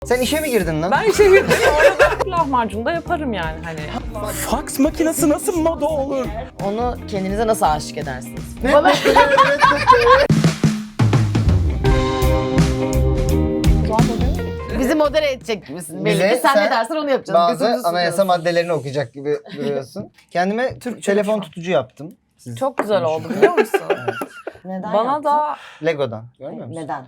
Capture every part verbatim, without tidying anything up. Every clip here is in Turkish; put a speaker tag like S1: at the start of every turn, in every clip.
S1: Sen işe mi girdin lan?
S2: Ben işe girdim. Orada lahmacun da yaparım yani hani.
S3: Faks makinesi nasıl moda olur?
S4: Onu kendinize nasıl aşık edersiniz?
S1: Ne?
S4: Bana bizi modere edecek gibisin. Belli
S1: Bize
S4: ki sen,
S1: sen
S4: ne dersen onu yapacağız.
S1: Bazı
S4: Gözümüzü
S1: anayasa
S4: sıkıyorsun.
S1: maddelerini okuyacak gibi duruyorsun. Kendime Türk telefon tutucu yaptım. Siz
S4: Çok güzel oldu
S1: konuşun.
S4: biliyor musun? Neden
S2: Bana
S4: yaptın?
S2: da
S1: Lego'dan. Görmüyor musun?
S4: Neden?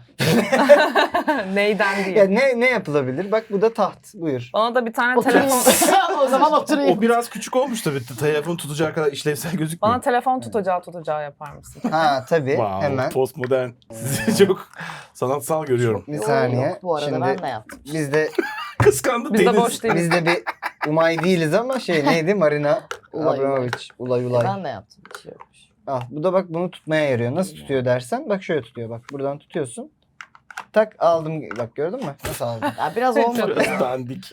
S2: neyden
S1: Ya
S2: değil.
S1: ne ne yapılabilir? Bak bu da taht. Buyur.
S2: Bana da bir tane
S4: Oturayım.
S2: telefon
S4: O zaman oturayım.
S3: O biraz küçük olmuş tabii. Telefon tutacağı kadar işlevsel gözükmüyor.
S2: bana telefon tutacağı tutacağı yapar mısın?
S1: Ha tabii.
S3: Wow,
S1: Hemen.
S3: postmodern. Sizi çok sanatsal görüyorum.
S1: Bir saniye.
S4: Yok, bu arada
S1: Şimdi
S4: ben de yaptım.
S1: biz de
S3: Kıskandı
S2: Biz de
S3: Deniz.
S2: boş değiliz.
S1: biz de bir Umay değiliz ama şey neydi? Marina
S4: Ulay,
S1: Abramovic. Ulay ulay.
S4: Ben de yaptım. Bir şey yokmuş.
S1: Al bu da bak bunu tutmaya yarıyor. Nasıl tutuyor dersen bak şöyle tutuyor. Bak buradan tutuyorsun. Tak aldım. Bak gördün mü? Nasıl aldım?
S4: Ya biraz olmadı.
S3: Biraz dandik.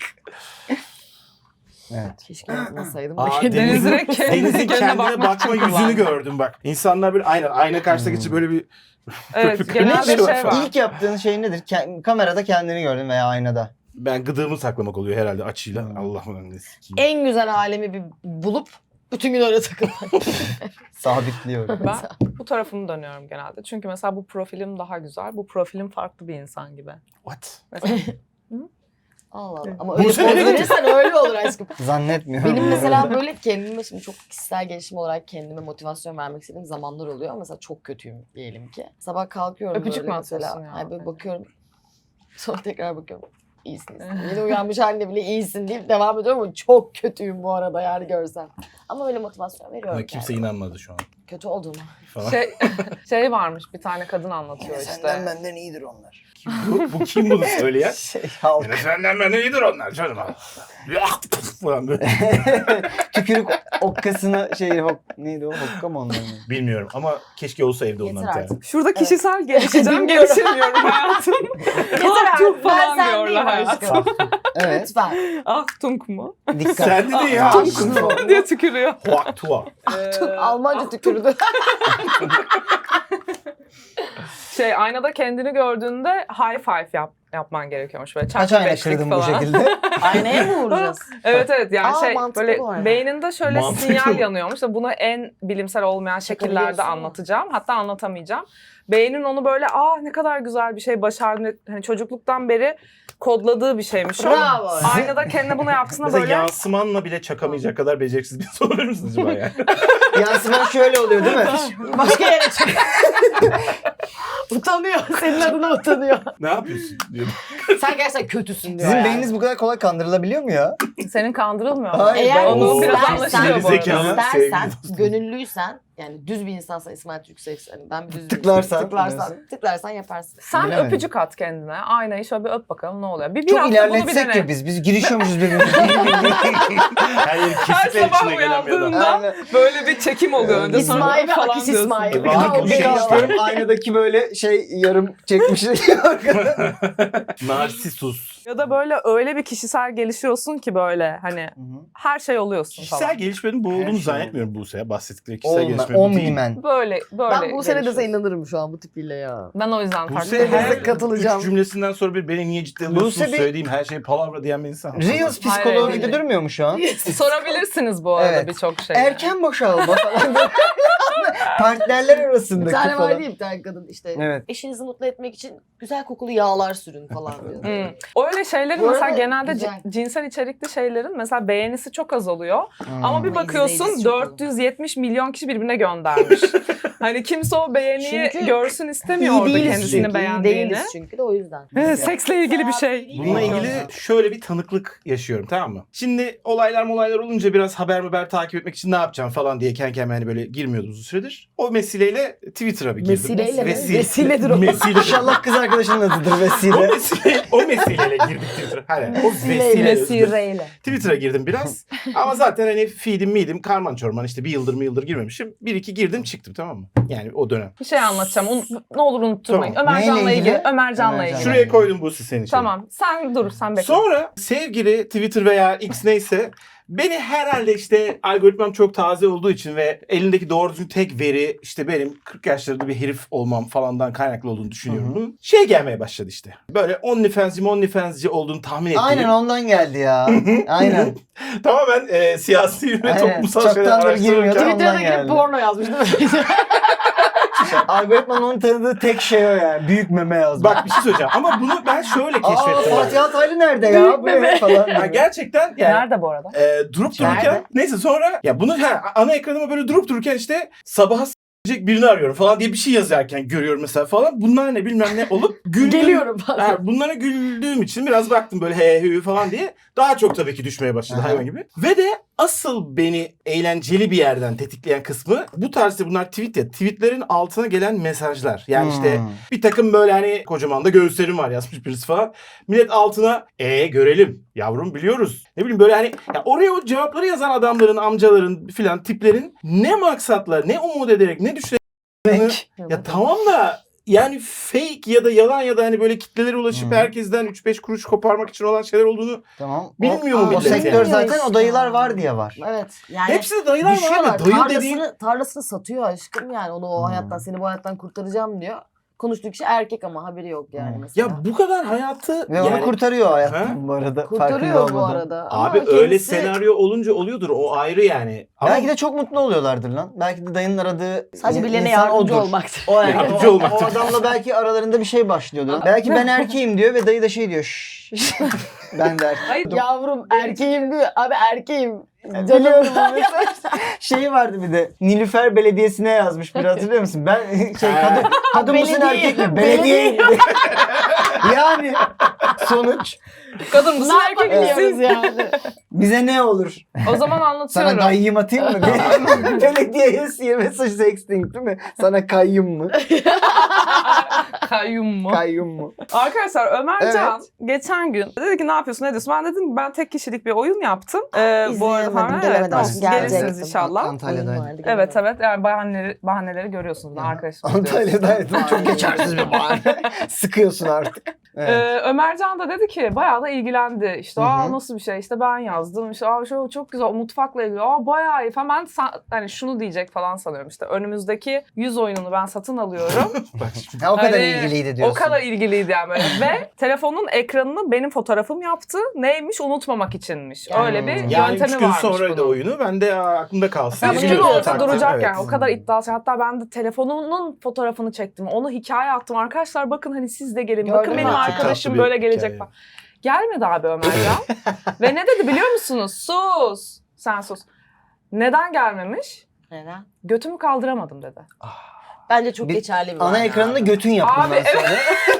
S1: Evet.
S4: Keşke yapmasaydım.
S3: Aa,
S4: da.
S2: Deniz
S3: Deniz'in,
S2: direkt kendi
S3: Deniz'in
S2: kendine
S3: kendine
S2: bakmak
S3: bakma
S2: için
S3: yüzünü
S2: kullandı.
S3: gördüm bak. İnsanlar böyle aynen ayna karşısına geçip böyle bir
S2: Evet
S3: Ne
S2: genelde
S3: şey var
S2: şey
S3: falan?
S2: var.
S1: İlk yaptığın şey nedir? Ke- kamerada kendini gördün veya aynada.
S3: ben gıdığımı saklamak oluyor herhalde açıyla.
S1: Hmm.
S3: Allah'ım ne sikeyim.
S4: En güzel alemi bir bulup bütün gün öyle takılmak.
S1: Sabitliyorum.
S2: Ben bu tarafımı dönüyorum genelde. Çünkü mesela bu profilim daha güzel. Bu profilim farklı bir insan gibi.
S3: What?
S2: Mesela
S4: Allah Allah. Ama
S3: Bu
S4: öyle poz
S3: sene-
S4: verirsen öyle olur aşkım.
S1: Zannetmiyorum.
S4: Benim mesela böyle kendime şimdi çok kişisel gelişim olarak kendime motivasyon vermek istediğim zamanlar oluyor. Mesela çok kötüyüm diyelim ki. Sabah kalkıyorum
S2: Öpücük
S4: böyle
S2: mü
S4: mesela.
S2: atıyorsun ya?
S4: Ay böyle bakıyorum. Sonra tekrar bakıyorum. İyisin iyisin. Yeni uyanmış haline bile iyisin deyip devam ediyorum ama çok kötüyüm bu arada yani görsen. Ama böyle motivasyon veriyorum.
S3: Ama kimse
S4: kendime.
S3: inanmadı şu an
S4: Kötü olduğuma.
S3: falan.
S2: şey, şey varmış bir tane kadın anlatıyor
S1: Senden
S2: işte.
S1: benden iyidir onlar.
S3: Kim bu, bu kim bunu söyleyen?
S1: Şey halk.
S3: Yine senden benden iyidir onlar canım. Yak falan böyle.
S1: Tükürük okkasını şey hok, neydi o hokka mı onların?
S3: Bilmiyorum ama keşke olsa evde
S4: Yeter
S3: ondan bir tane.
S4: artık.
S2: Şurada kişisel gelişeceğim,
S4: Bilmiyorum.
S2: gelişemiyorum hayatım.
S4: Yeter
S2: Ah,
S4: artık.
S2: tunk
S4: Ben
S2: falan
S4: sen
S2: diyorlar
S4: değilim
S2: hayatım.
S4: aşkım.
S1: Evet.
S4: Lütfen.
S2: Ah tunk mu?
S1: Dikkat.
S3: Sen de ya.
S4: Tunk.
S2: diye tükürüyor.
S3: Huak tua.
S2: Ee,
S4: Almanca tükürdü.
S2: şey aynada kendini gördüğünde high five yap, yapman gerekiyormuş böyle.
S1: Kaç
S2: çak
S1: ayna
S2: beşlik
S1: kırdın bu
S2: falan.
S1: şekilde?
S4: Aynaya mı vuracağız?
S2: Evet evet yani
S4: Aa,
S2: şey
S4: mantıklı
S2: böyle
S4: bu arada.
S2: beyninde şöyle
S3: Mantıklı.
S2: sinyal yanıyormuş da bunu en bilimsel olmayan şekillerde
S4: Çakabiliyorsun mu?
S2: anlatacağım. Hatta anlatamayacağım. Beynin onu böyle aa ne kadar güzel bir şey başardın. Hani çocukluktan beri kodladığı bir şeymiş o.
S4: Bravo.
S2: Aynada kendine bunu yaptığında
S3: Mesela
S2: böyle
S3: yansımanla bile çakamayacak kadar beceriksiz bir soru verir misiniz acaba yani?
S1: Yansıman şöyle oluyor değil mi?
S4: Başka yere çık. Utanıyor. Senin adına utanıyor.
S3: Ne yapıyorsun? diyorum.
S4: Sen gerçekten kötüsün diyor
S1: Sizin
S4: yani.
S1: beyniniz bu kadar kolay kandırılabiliyor mu ya?
S2: senin kandırılmıyor.
S1: Hayır,
S4: Eğer
S1: ben-
S2: Onu
S3: Oo,
S2: biraz
S4: istersen,
S2: anlaşılıyor bu arada.
S3: Zekalı,
S4: istersen,
S3: sevgili dostum.
S4: gönüllüysen, yani düz bir insansan İsmail Türksev, hani ben bir düz bir
S1: Tıklarsan,
S4: tıklarsan,
S1: diyorsun.
S4: tıklarsan yaparsın.
S2: Sen
S1: Bilemedim.
S2: öpücük at kendine. Aynayı şöyle bir öp bakalım ne oluyor. Bir, bir
S1: Çok
S2: hafta bunu bir
S1: ilerletsek
S2: dene.
S1: ya biz. Biz girişiyormuşuz birbirimize.
S3: Her yeri
S2: Her
S3: kesikler
S2: sabah
S3: içine gelen bir adam.
S2: uyandığında
S1: Aynen.
S2: böyle bir çekim oluyor. Önce sonra
S4: İsmail ve
S2: falan
S4: Akis
S2: diyorsun.
S4: İsmail.
S3: E,
S4: Ya,
S3: bak,
S4: o
S3: bu şey
S4: beyaz.
S3: işte.
S1: Bakıyorum aynadaki böyle şey yarım çekmiş.
S3: Narsisus.
S2: Ya da böyle öyle bir kişisel gelişiyorsun ki böyle hani her şey oluyorsun
S3: Kişisel
S2: falan.
S3: gelişmenin bu
S1: Her
S3: olduğunu
S1: şey
S3: zannetmiyorum Buse'ye. Bahsettikleri kişisel
S1: Olma,
S3: gelişme bu değil.
S1: omnimen.
S2: Böyle böyle.
S4: Ben bu sene de
S2: gelişiyorsun.
S4: inanırım şu an bu tipiyle ya.
S2: Ben o yüzden farklı.
S3: Buse her
S4: Size katılacağım.
S3: üç cümlesinden sonra bir beni niye ciddi alıyorsunuz
S1: Buse bir-
S3: söylediğim her şey palavra diyen bir insan.
S1: Reels
S2: Hayır,
S1: psikoloğu
S2: hayır.
S1: gibi durmuyor mu şu an?
S2: Sorabilirsiniz bu arada
S1: Evet.
S2: birçok şey.
S1: Erken boşalma falan. Partnerler
S4: Bir
S1: arasındaki
S4: tane var
S1: falan.
S4: değil mi bir tane kadın işte.
S1: Evet.
S4: Eşinizi mutlu etmek için güzel kokulu yağlar sürün falan diyor.
S2: Hmm. Öyle şeylerin
S4: Bu
S2: mesela
S4: arada
S2: genelde
S4: güzel.
S2: ci- cinsel içerikli şeylerin mesela beğenisi çok az oluyor.
S1: Hmm.
S2: Ama bir
S4: Ama
S2: bakıyorsun
S4: izleyicisi çok
S2: dört yüz yetmiş milyon kişi birbirine göndermiş. Hani kimse o beğeniyi
S4: Çünkü
S2: görsün istemiyor
S4: İyi
S2: orada
S4: değiliz
S2: kendisini
S4: çünkü. İyi
S2: beğendiğini.
S4: değiliz çünkü de o yüzden.
S2: Evet, seksle ilgili bir şey.
S3: Bununla ilgili şöyle bir tanıklık yaşıyorum, tamam mı? Şimdi olaylar molaylar olunca biraz haber haber takip etmek için ne yapacağım falan diye kendi kendime hani böyle girmiyordum uzun süredir. O vesileyle Twitter'a bir girdim.
S4: Vesileyle mi?
S3: Vesile-
S4: Vesiledir o.
S3: Mesile.
S1: İnşallah kız arkadaşının adıdır
S3: o
S1: vesile.
S3: mesile, o mesileyle girdik Twitter'a. Hani o
S4: Vesileyle.
S3: vesileyle.
S4: Vesileyle.
S3: Twitter'a girdim biraz. Ama zaten hani feedim midim karman çorman işte bir yıldır mı yıldır girmemişim. Bir iki girdim çıktım, tamam mı? Yani o dönem.
S2: Bir şey anlatacağım. Un- ne olur unutturmayın.
S3: Tamam.
S2: Ömercan'la
S1: Neyle
S2: ilgili.
S1: ilgili?
S2: Ömercan'la
S1: Ömercan.
S2: ilgili.
S3: Şuraya koydum bu senin için.
S2: Tamam. Sen dur. Sen bekle.
S3: Sonra sevgili Twitter veya X neyse Beni herhalde işte algoritmam çok taze olduğu için ve elindeki doğru düzgün tek veri işte benim kırk yaşlarında bir herif olmam falandan kaynaklı olduğunu düşünüyorum. Hı-hı. Şey gelmeye başladı işte. Böyle OnlyFans'ci OnlyFans'ci olduğunu tahmin ettiğim.
S1: Aynen ondan geldi ya. Aynen.
S3: Tamamen e, siyasi ve
S1: Aynen.
S3: toplumsal
S1: Çoktan
S3: şeyler
S1: beri girmiyordu.
S3: araştırırken.
S4: Twitter'da
S1: Ondan
S4: girip
S1: geldi.
S4: porno yazmış değil mi?
S1: Algoritmanın onu tanıdığı tek şey o yani. Büyük meme yazmak.
S3: Bak bir şey söyleyeceğim ama bunu ben şöyle
S1: Aa
S3: keşfettim.
S1: Fatih Altaylı nerede ya? Bu ne falan.
S3: Ya gerçekten yani
S2: Nerede bu arada?
S3: e, durup dururken
S1: Nerede?
S3: neyse sonra ya bunu ha, ana ekranıma böyle durup dururken işte sabaha s**ecek birini arıyorum falan diye bir şey yazarken görüyorum mesela falan. Bunlar ne bilmem ne olup güldüm.
S4: Geliyorum falan.
S3: Ha, bunlara güldüğüm için biraz baktım böyle he hü falan diye. Daha çok tabii ki düşmeye başladı
S1: Aha.
S3: hayvan gibi. Ve de asıl beni eğlenceli bir yerden tetikleyen kısmı bu tarzda bunlar tweet ya. Tweetlerin altına gelen mesajlar. Yani işte
S1: Hmm.
S3: bir takım böyle hani kocaman da göğüslerim var yazmış birisi falan. Millet altına e görelim yavrum biliyoruz. Ne bileyim böyle hani ya oraya o cevapları yazan adamların, amcaların filan tiplerin ne maksatla, ne umut ederek, ne düşünerek ya tamam da yani fake ya da yalan ya da hani böyle kitlelere ulaşıp
S1: Hmm.
S3: herkesten üç beş kuruş koparmak için olan şeyler olduğunu
S1: Tamam.
S3: bilmiyor
S1: o,
S3: mu
S1: o
S3: millet
S1: sektör
S3: yani?
S1: zaten o dayılar var diye var.
S4: Evet. Yani
S3: hepsi de dayılar var
S4: düşüyorlar.
S3: abi. Dayı
S4: Tarlasını,
S3: dediğin
S4: tarlasını satıyor aşkım yani. Onu o
S1: Hmm.
S4: hayattan, seni bu hayattan kurtaracağım diyor. Konuştuğu kişi erkek ama haberi yok yani
S1: Hmm.
S4: mesela.
S3: ya bu kadar hayatı
S1: Ve onu
S3: yani
S1: kurtarıyor
S3: Ha?
S1: hayattan bu arada. farkında
S4: kurtarıyor bu
S1: olmadan.
S4: arada. Ama
S3: abi
S4: kendisi-
S3: öyle senaryo olunca oluyordur o ayrı yani. Ama
S1: Belki de çok mutlu oluyorlardır lan. Belki de dayının aradığı
S4: sadece
S1: in-
S4: birilerine
S1: insan
S4: yardımcı
S1: odur.
S4: olmaktır.
S1: O, yani,
S3: Yardımcı
S1: o,
S3: olmaktır.
S1: o adamla belki aralarında bir şey başlıyordur. Belki ben erkeğim diyor ve dayı da şey diyor. Şşş. Ben de erkeğim.
S2: Hayır.
S4: Yavrum erkeğim diyor. Abi erkeğim.
S1: Dönüyorum o mesaj. Şey vardı bir de Nilüfer Belediyesi'ne yazmış bir hatırlıyor musun? Ben şey kadın, kadın mısın
S4: Belediye,
S1: erkek mi?
S4: belediye.
S1: Belediye. Yani sonuç
S2: Kadın mısın
S4: Ne
S2: erkek
S4: yapabiliyoruz
S2: misin?
S4: yani?
S1: bize ne olur?
S2: O zaman anlatıyorum.
S1: Sana dayıyım atayım mı? Belediyeye mesaj sexting değil mi? Sana kayyum mu?
S2: Kayyum mu?
S1: Kayyum mu?
S2: Arkadaşlar Ömercan geçen gün dedi ki ne yapıyorsun ne diyorsun? Ben dedim ben tek kişilik bir oyun yaptım. Ee, bu arada
S4: İzleyemedim,
S2: falan
S4: gelemedim.
S2: evet, olsun,
S4: Gelecektim.
S2: gelirsiniz inşallah.
S1: Antalya'daydım.
S4: Oyun vardı,
S2: Evet
S4: gelemedim.
S2: evet yani bahaneleri, bahaneleri görüyorsunuz. Ben arkadaşım.
S1: Antalya'daydım. Çok geçersiz bir bahane. Sıkıyorsun artık. Evet.
S2: Ee, Ömercan da dedi ki bayağı da ilgilendi. İşte
S1: Hı hı.
S2: aa nasıl bir şey işte ben yazdım. İşte aa şu çok güzel mutfakla ilgili. Aa bayağı iyi falan. Ben sa- hani şunu diyecek falan sanıyorum işte. Önümüzdeki yüz oyununu ben satın alıyorum.
S3: bak şimdi.
S1: Ha, o kadar
S2: Hani
S1: ilgiliydi diyorsun.
S2: O kadar ilgiliydi yani böyle. Ve telefonun ekranını benim fotoğrafım yaptı. Neymiş? Unutmamak içinmiş. Öyle bir
S1: Yani
S3: Yani üç
S2: yöntemi
S3: gün
S2: varmış
S3: sonraydı
S2: bunun.
S3: oyunu. Ben de aa, aklımda kalsın.
S2: Ya
S3: diye
S2: bütün
S3: biliyorum
S2: ortada
S3: taktiği.
S2: duracak
S3: Evet.
S2: yani. O kadar iddialı. Hatta ben de telefonunun fotoğrafını çektim. Onu hikaye attım. Arkadaşlar bakın hani siz de gelin.
S4: Gördün
S2: bakın
S4: mü?
S2: benim
S4: Çok
S2: arkadaşım
S3: tatlı bir
S2: böyle gelecek
S3: hikaye.
S2: falan. Gelmedi abi Ömercan. Ve ne dedi biliyor musunuz? Sus. Sen sus. Neden gelmemiş?
S4: Neden?
S2: Götümü kaldıramadım dedi.
S4: Bence çok
S1: Bir
S4: geçerli bir
S1: Ana
S4: bahane
S1: ekranında
S4: abi.
S1: götün yap
S2: Abi,
S1: bundan sonra.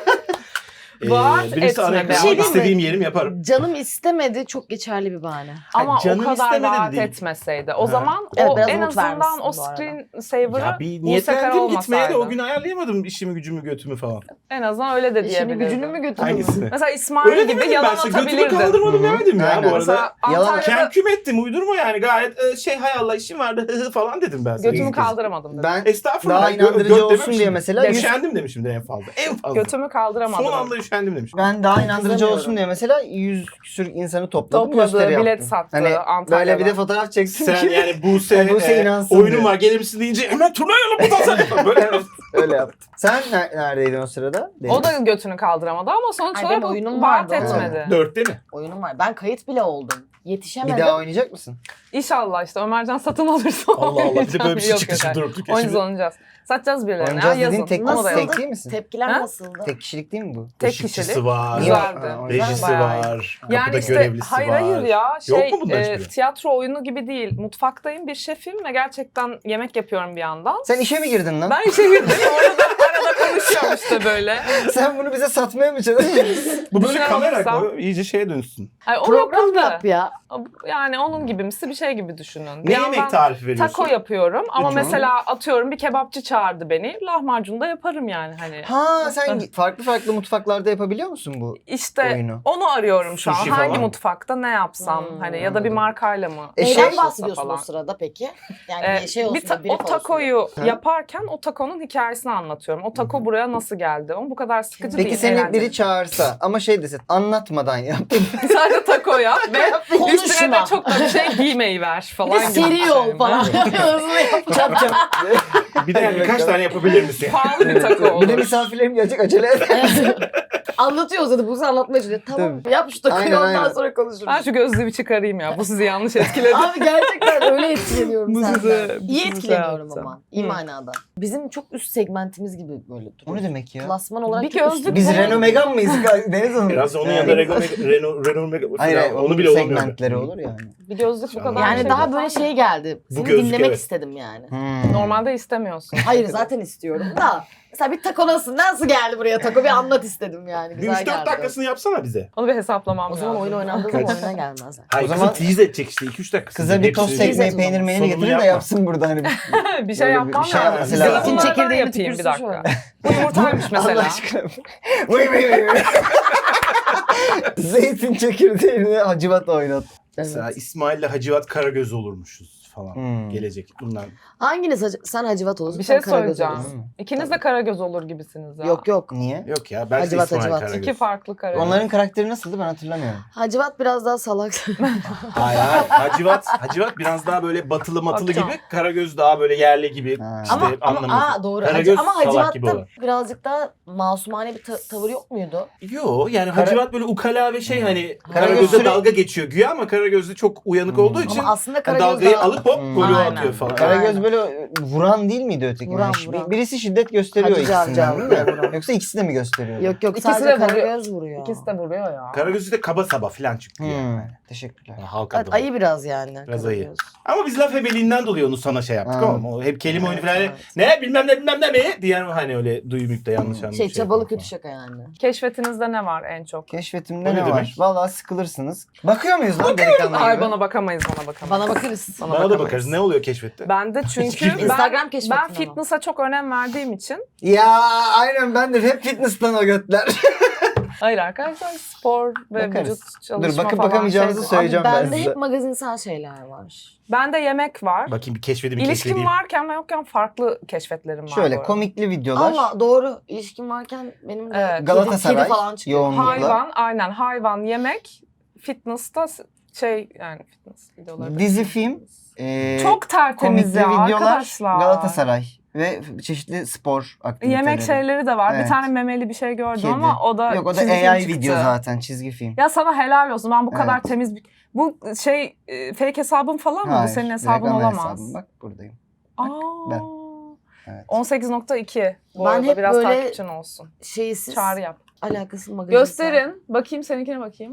S3: Ee,
S2: Vaat
S3: birisi
S2: etme
S3: ana
S2: be.
S3: ekranı
S2: Bir şey
S4: diyeyim mi?
S3: istediğim yerim yaparım.
S4: Canım istemedi çok geçerli bir bahane.
S2: Ama o
S3: canım
S2: kadar
S3: istemedi
S2: vaat
S3: değil.
S2: etmeseydi. O
S3: Ha.
S2: zaman
S4: Evet,
S2: o
S4: biraz
S2: en
S4: umut
S2: azından
S4: vermişsin
S2: o
S4: bu arada.
S2: screen saver'ı
S3: Ya bir
S2: bu sefer
S3: niyetlendim gitmeye de o
S2: olmasaydı.
S3: gün ayarlayamadım işimi gücümü götümü falan.
S2: En azından öyle de
S4: İşini
S2: diyebilirdim.
S4: gücünü mü götürdün?
S3: Hangisini?
S2: Mesela İsmail
S3: Öyle
S2: gibi
S3: demedim ben
S2: yalan
S3: işte götümü
S2: atabilirdin.
S3: kaldırmadım
S1: Hı hı.
S3: demedim ya
S1: Aynen.
S3: bu arada.
S2: Mesela
S1: Yalan-
S2: Antalya'da
S3: Kenküm ettim uydurma yani gayet e, şey hay Allah işim vardı hı hı falan dedim ben sana.
S2: götümü
S3: İlk kez.
S2: kaldıramadım dedi.
S1: Ben
S3: Estağfurullah.
S1: daha
S3: gö-
S1: inandırıcı
S3: göt
S1: olsun
S3: dememişim
S1: diye
S3: de.
S1: mesela yüz-
S3: Üşendim demişimdir en fazla. En fazla.
S2: Götümü kaldıramadım.
S3: Son anda üşendim demişim.
S1: ben daha inandırıcı
S4: Kızamıyorum.
S1: olsun diye mesela yüz küsür insanı topladım.
S2: Topladı,
S1: gösteri
S2: bilet
S1: yaptım.
S2: sattı
S1: Hani
S2: Antalya'da.
S1: böyle bir de fotoğraf çektim
S3: Sen
S1: ki
S3: yani Buse,
S1: Yani Buse
S3: e,
S1: inansın
S3: oyunum
S1: diye.
S3: var gelir misin deyince hemen turnayalım buradan sen. Böyle
S1: Evet, öyle yaptım. Sen ner- neredeydin o sırada?
S2: O da götünü kaldıramadı ama sonuç
S4: Ay,
S2: olarak
S4: benim oyunum
S2: vaat
S4: vardı oğlum.
S2: etmedi.
S3: dörtte mi?
S4: Oyunum var. Ben kayıt bile oldum.
S1: Bir
S4: Yetişemedim.
S1: daha oynayacak mısın?
S2: İnşallah işte Ömercan satın alırsa
S3: Allah Allah bir de
S2: oynayacağım.
S3: böyle bir şey
S2: Yok,
S3: çıktı
S2: yok,
S3: şimdi
S2: hayır.
S3: durup dururken.
S2: Oynayacağız
S3: Şimdi
S2: oynayacağız. Satacağız birilerine.
S1: Oynayacağız
S2: ya,
S1: dediğin
S2: yazın.
S1: tek,
S2: Onu da
S1: tek
S2: yazın.
S1: değil misin?
S4: Tepkiler
S2: Ha?
S4: nasıldı?
S1: Tek kişilik değil mi bu?
S2: Tek
S3: ışıkçısı
S2: kişilik.
S3: var.
S2: Güzeldi.
S1: Ha, o
S3: Rejisi
S2: Güzel, bayağı iyi.
S3: var.
S2: Yani
S3: Kapıda
S2: işte
S3: görevlisi
S2: hayır
S3: var.
S2: hayır ya
S3: Yok
S2: şey
S3: mu bundan
S2: e,
S3: hiçbiri?
S2: tiyatro oyunu gibi değil. Mutfaktayım bir şefim ve gerçekten yemek yapıyorum bir yandan.
S1: Sen işe mi girdin lan?
S2: Ben işe girdim. Orada arada konuşuyorum işte böyle.
S1: Sen bunu bize satmaya mı çalışıyorsun?
S3: Bu böyle
S2: Şey
S3: kamera
S2: olursa-
S3: koy, iyice şeye dönsün.
S2: Ay, o
S4: Program
S2: yapıldı.
S4: yap ya.
S2: Yani onun gibimsi bir şey gibi düşünün. Bir
S3: Ne
S2: yandan
S3: yemek tarifi veriyorsun?
S2: Taco yapıyorum ama
S3: Lütfen.
S2: mesela atıyorum bir kebapçı çağırdı beni. Lahmacun da yaparım yani hani.
S1: Ha sen farklı farklı mutfaklarda yapabiliyor musun bu
S2: İşte
S1: oyunu?
S2: onu arıyorum şu an.
S3: Sushi
S2: Hangi
S3: falan.
S2: mutfakta ne yapsam
S4: Hmm,
S2: hani ya da bir
S1: anladım.
S2: markayla mı?
S1: E,
S4: Neyden
S1: şey-
S2: uğraşılsa
S4: bahsediyorsun
S2: falan.
S4: o sırada peki? Yani
S2: Ee,
S4: bir şey olsun
S2: bir ta-
S4: da brief
S2: o
S4: olsun.
S2: takoyu
S1: Ha?
S2: yaparken o takonun hikayesini anlatıyorum. O o taco buraya nasıl geldi? Ama bu kadar sıkıcı
S1: Peki
S2: değil.
S1: seni
S2: eğlenceli.
S1: biri çağırsa ama şey dese anlatmadan yap.
S2: Sadece taco yap ve üstüne
S4: Konuşma.
S2: de çok da bir şey giymeyi ver falan gibi.
S4: Seri
S2: bir
S4: ol
S2: şey.
S4: falan. Hızlı yapacağım.
S1: Çap çap.
S3: Bir de yani birkaç tane yapabilir misin?
S2: Pahalı bir taco
S1: Bir
S2: olur.
S1: de misafirlerim gelecek acele et.
S4: Anlatıyor zaten. Bu anlatmaya çalışıyor. Tamam yap şu takoyu
S1: Aynen,
S4: ondan
S1: aynen.
S4: sonra konuşuruz.
S2: Ben şu gözlüğü bir çıkarayım ya. Bu sizi yanlış etkiledi.
S4: Abi gerçekten öyle etkileniyorum
S2: Bu
S4: senden.
S2: sizi- bu
S4: İyi
S2: sizi
S4: etkileniyorum
S2: şey
S4: ama.
S2: yaptı.
S4: İyi
S2: Hı.
S4: manada. Bizim çok üst segmentimiz gibi böyle duruyor.
S1: O ne demek ya?
S4: Klasman olarak
S2: Bir
S4: çok
S2: gözlük
S4: üst-
S1: Biz
S2: Biz
S1: Renault Megane mıyız Deniz Hanım?
S3: Biraz onun
S1: Yani-
S3: yanında Renault, Renault, Renault Megane
S1: Hayır hayır
S3: falan, onu bile olamıyor.
S1: segmentleri olur yani.
S2: Bir gözlük bu kadar
S4: Yani
S2: şey
S4: daha
S2: değil.
S4: böyle şey geldi.
S3: Bu
S4: Seni
S3: gözlük,
S4: dinlemek
S3: evet.
S4: istedim yani.
S1: Hmm.
S2: Normalde istemiyorsun.
S4: Hayır zaten istiyorum da. Mesela bir taco nasıl, nasıl geldi buraya taco bir anlat istedim yani.
S3: Bir
S4: Güzel
S3: üç dört
S4: geldi.
S3: dakikasını yapsana bize.
S2: Onu bir hesaplamam
S4: O zaman
S2: lazım.
S4: oyun oynandığı zaman oyuna gelmezler.
S3: Hayır
S1: O
S3: kızı
S1: zaman-
S3: tease edecek işte iki üç dakika.
S1: Kıza bir tost
S3: Hepsini-
S1: ekmeği
S4: Hepsini-
S1: peynir meynir
S3: Sonunu
S1: getirin de
S3: yapma.
S1: yapsın burada hani.
S2: bir şey
S1: Böyle
S2: yapmam
S1: bir şey
S2: lazım.
S1: yapması
S2: Zeytin
S1: lazım.
S4: Zeytin
S2: çekirdeği
S4: çekirdeğini
S2: yapayım bir
S4: tükürsün
S2: dakika.
S4: şöyle.
S2: Bu yumurtaymış
S1: Allah
S2: mesela.
S1: aşkına. Vıy vıy vıy vıy. Zeytin çekirdeğini hacivat oynat.
S3: Mesela İsmail'le Hacivat Karagöz olurmuşuz falan.
S1: Hmm.
S3: Gelecek bundan.
S4: Hanginiz hacı- sen Hacivat olursun?
S2: Bir şey
S4: sen Karagöz
S2: söyleyeceğim.
S4: olursun.
S2: İkiniz de Karagöz olur gibisiniz ya.
S4: Yok yok.
S1: Niye?
S3: Yok ya ben de
S4: Hacivat,
S3: İsmail
S4: Hacivat.
S3: Karagöz.
S2: İki farklı Karagöz.
S1: Onların karakteri nasıldı ben hatırlamıyorum.
S4: Hacivat biraz daha salak.
S3: Hayır hayır. Hacivat, Hacivat biraz daha böyle batılı matılı
S2: Bakacağım.
S3: gibi. Karagöz daha böyle yerli gibi.
S1: Ha.
S3: İşte
S4: ama ama
S3: anlamıyorsun.
S4: aa, doğru.
S3: Karagöz
S4: Hac- ama
S3: salak gibi
S4: Hacivat'ta
S3: olan.
S4: birazcık daha masumane bir ta- tavır yok muydu?
S3: Yo yani
S1: Kara-
S3: Hacivat böyle ukala ve şey hani
S1: Karagöz
S3: Karagöz'e
S1: süre-
S3: dalga geçiyor güya ama Karagöz'de çok uyanık
S1: Hmm.
S3: olduğu için
S4: Ama aslında
S3: hani
S4: Karagöz
S3: dalgayı
S4: daha...
S3: alıp hop
S1: Hmm.
S3: golü
S4: Aynen.
S3: atıyor falan.
S1: Karagöz
S4: Aynen.
S1: böyle vuran değil miydi öteki?
S4: Vuran,
S1: Bir-
S4: vuran.
S1: Birisi şiddet gösteriyor
S4: Hacı Cavcav
S1: ikisinden değil mi?
S4: vuran.
S1: Yoksa ikisi de mi gösteriyor?
S4: Yok yok
S2: İkisi
S4: sadece
S2: de vuruyor.
S4: Karagöz vuruyor.
S2: İkisi de vuruyor ya.
S3: Karagöz'ü de kaba saba falan çıktı
S1: Hmm.
S3: yani.
S1: Teşekkürler.
S3: Yani halk
S4: Evet,
S3: adına.
S4: ayı biraz yani.
S3: Biraz
S4: Karagöz.
S3: ayı. Ama biz laf ebeliğinden dolayı onu sana şey yaptık
S1: Ha.
S3: ama o hep kelime oyunu falan
S4: Evet.
S3: ne bilmem ne bilmem ne mi diyen hani öyle duyumluk da yanlış
S1: Hmm.
S3: anlamış.
S4: Şey çabalı
S3: yapıyor
S4: kötü şaka yani.
S2: Keşfetinizde ne var en çok?
S1: Keşfetimde
S3: O ne
S1: ne var?
S3: demek?
S1: Vallahi sıkılırsınız. Bakıyor muyuz lan delikanlı
S2: Ay
S1: gibi?
S2: bana bakamayız bana bakamayız.
S4: Bana bakarız.
S3: falan. Bana da
S2: bakamayız.
S3: bakarız. Ne oluyor keşfette?
S2: Ben de çünkü ben,
S4: Instagram keşfettin
S2: ben
S4: ama.
S2: fitness'a çok önem verdiğim için.
S1: Ya aynen ben de hep fitness'tan o götler.
S2: Hayır arkadaşlar spor ve
S1: Bakarız.
S2: vücut çalışma
S1: Dur, bakıp
S2: falan
S1: bakamayacağınızı
S2: şeydir.
S1: söyleyeceğim ben
S4: Bende
S1: size.
S4: hep magazinsel şeyler var.
S2: Bende yemek var.
S3: Bakayım bir keşfedeyim bir
S2: İlişkim
S3: keşfedeyim.
S2: varken ve yokken farklı keşfetlerim var. bu
S1: Şöyle
S2: arada.
S1: komikli videolar.
S4: Ama doğru ilişkim varken benim de
S2: Evet.
S4: kedi-
S1: Galatasaray
S4: kedi falan çıkıyor.
S1: yoğunlukla.
S2: Hayvan, aynen hayvan, yemek, fitness'ta s- şey yani fitness videoları. da-
S1: Dizi, film, e,
S2: Çok tertemiz
S1: komikli
S2: ya
S1: videolar,
S2: arkadaşlar.
S1: Galatasaray ve çeşitli spor aktiviteleri.
S2: Yemek şeyleri de var.
S1: Evet.
S2: Bir tane memeli bir şey gördüm
S1: Kedi.
S2: ama o da
S1: Yok o da
S2: çizgi film
S1: A I
S2: çıktı.
S1: video zaten çizgi film.
S2: Ya sana helal olsun. Ben bu kadar
S1: Evet.
S2: temiz bir... Bu şey e, fake hesabın falan mı? Bu
S1: Hayır,
S2: senin
S1: direkt
S2: hesabın
S1: ana
S2: olamaz.
S1: hesabım. Bak buradayım.
S2: Aa.
S1: ben. Evet.
S2: on sekiz nokta iki. Bu
S4: Ben
S2: arada
S4: hep
S2: biraz
S4: böyle-
S2: takipçin olsun.
S4: Şeysiz
S2: Çağrı yap.
S4: alakasız magazinsel.
S2: Gösterin. Bakayım seninkine bakayım.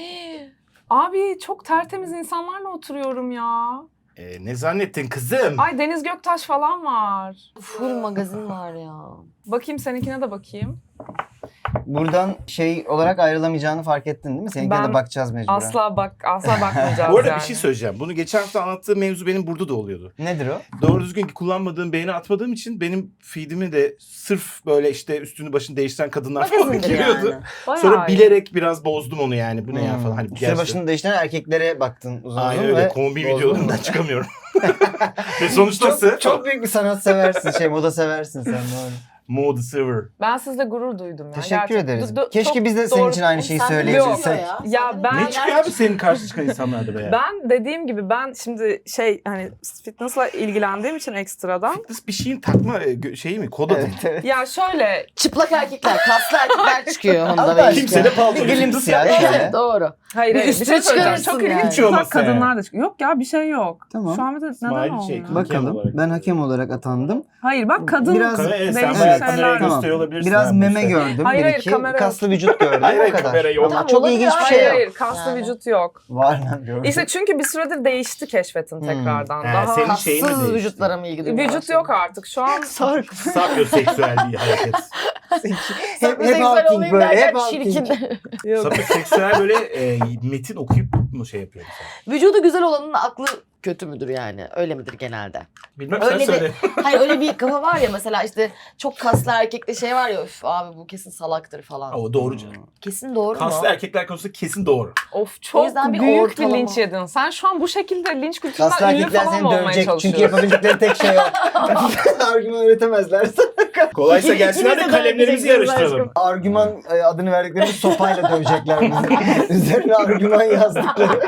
S2: Abi çok tertemiz insanlarla oturuyorum ya.
S3: Ee, ne zannettin kızım?
S2: Ay Deniz Göktaş falan var.
S4: Full magazin var ya.
S2: Bakayım seninkine de bakayım.
S1: Buradan şey olarak ayrılamayacağını fark ettin değil mi? Seninkine
S2: Ben
S1: de bakacağız mecburen.
S2: Asla bak asla bakmayacağız
S3: Bu arada
S2: yani.
S3: bir şey söyleyeceğim. Bunu geçen hafta anlattığım mevzu benim burada da oluyordu.
S1: Nedir o?
S3: Doğru düzgün kullanmadığım, beğeni atmadığım için benim feedimi de sırf böyle işte üstünü başını değiştiren kadınlar falan
S4: Magazindir
S3: giriyordu.
S4: yani.
S2: Bayağı
S3: Sonra
S2: iyi.
S3: bilerek biraz bozdum onu yani. Bu ne ya
S1: Hmm.
S3: falan. Hani
S1: Üstüne
S3: gerçekten-
S1: başını değiştiren erkeklere baktın uzun
S3: Aynen
S1: uzun
S3: öyle.
S1: ve
S3: Kombi
S1: bozdun
S3: videolarından
S1: mu?
S3: çıkamıyorum. Ve sonuçtası
S1: Çok, çok büyük bir sanat seversin, şey moda seversin sen doğru.
S3: Mode Silver.
S2: Ben sizle gurur duydum ya.
S1: Teşekkür
S2: Gerçekten.
S1: ederiz.
S2: Du- du-
S1: Keşke
S2: çok
S1: biz de senin
S2: doğru-
S1: için aynı şeyi
S4: Sen de
S1: söyleyebilsek.
S4: biliyor ya.
S2: Ya
S4: Sen de
S2: ben-
S3: Ne
S4: neler
S3: çıkıyor abi senin karşı çıkan insanlarda be ya?
S2: Ben dediğim gibi ben şimdi şey hani fitness'la ilgilendiğim için ekstradan.
S3: Fitness bir şeyin takma e, gö- şeyi mi? Kod adı mı?
S1: Evet, evet.
S2: Ya şöyle
S4: Çıplak erkekler, kaslı erkekler çıkıyor
S1: Allah
S4: onda ve
S1: aşkına.
S3: Kimse de palto.
S1: Bir glimpse ya şöyle.
S4: Evet doğru.
S2: hayır
S4: Bir
S2: hayır bir
S4: üstüne
S2: şey söyleyeceğim.
S4: çıkarırsın
S2: Çok
S4: yani.
S2: ilginç
S3: Hiç olmazsa
S2: çıplak kadınlar da çıkıyor. Yok ya bir şey yok.
S1: Tamam.
S2: Şu an bir de neden
S3: İsmail şey,
S2: olmuyor?
S3: Bakalım.
S1: Bakalım. Ben hakem olarak atandım.
S2: Hayır bak kadın
S1: Biraz-
S3: Kamera, evet, sen
S2: değişik
S3: bayağı
S2: şeyler.
S3: kameraya
S1: Tamam.
S3: gösteriyor olabilirsin.
S1: Biraz
S3: abi bu
S1: meme
S3: işte.
S1: gördüm.
S2: Hayır,
S1: bir
S2: hayır,
S1: iki
S2: kamera yok.
S1: kaslı vücut gördüm.
S3: Hayır,
S1: o
S3: hayır,
S1: kadar.
S3: kamera yok.
S1: Ama
S4: Tamam,
S1: çok
S4: olabilir.
S1: ilginç bir
S2: Hayır
S1: şey yok.
S2: hayır kaslı
S4: Yani.
S2: vücut yok.
S1: Var lan gördüm.
S2: İşte çünkü bir süredir değişti keşfetin
S1: Hmm.
S2: tekrardan.
S3: He,
S2: Daha
S3: senin şeyin mi
S4: Kassız
S3: değişti?
S4: vücutlara mı ilgi duyuyor?
S2: vücut yok artık. Şu an
S4: Sark.
S3: Sapyoseksüel bir hareket.
S1: hep, hep
S4: Sapyoseksüel
S1: halking
S4: olayım
S1: böyle.
S4: derken
S1: Hep halking.
S4: çirkin.
S2: yok.
S3: Sapyoseksüel böyle e, metin okuyup mu şey yapıyor mesela?
S4: Vücudu güzel olanın aklı kötü müdür yani? Öyle midir genelde?
S3: Bilmem
S4: Öyle
S3: sen
S4: bir-
S3: söyle.
S4: Hayır öyle bir kafa var ya mesela işte çok kaslı erkekte şey var ya üf abi bu kesin salaktır falan.
S3: O doğru canım.
S4: Kesin doğru mu?
S3: Kaslı erkekler konusunda kesin doğru.
S2: Of
S4: O
S2: çok
S4: yüzden bir
S2: büyük
S4: ortalama.
S2: bir linç yedin. Sen şu an bu şekilde linç
S1: Kaslı
S2: kültüründen ünlü
S1: erkekler
S2: falan
S1: seni
S2: mı olmaya
S1: dövecek.
S2: çalışıyorsun?
S1: Çünkü yapabildikleri tek şey o. Argüman üretemezler sana
S4: aşkım.
S3: Kolaysa gelsinler de
S4: İkimiz de
S3: kalemlerimizi
S4: döveceksiniz
S3: yarıştıralım.
S4: aşkım.
S1: Argüman e, adını verdikleri sopayla dövecekler bizi. Üzerine argüman yazdıkları.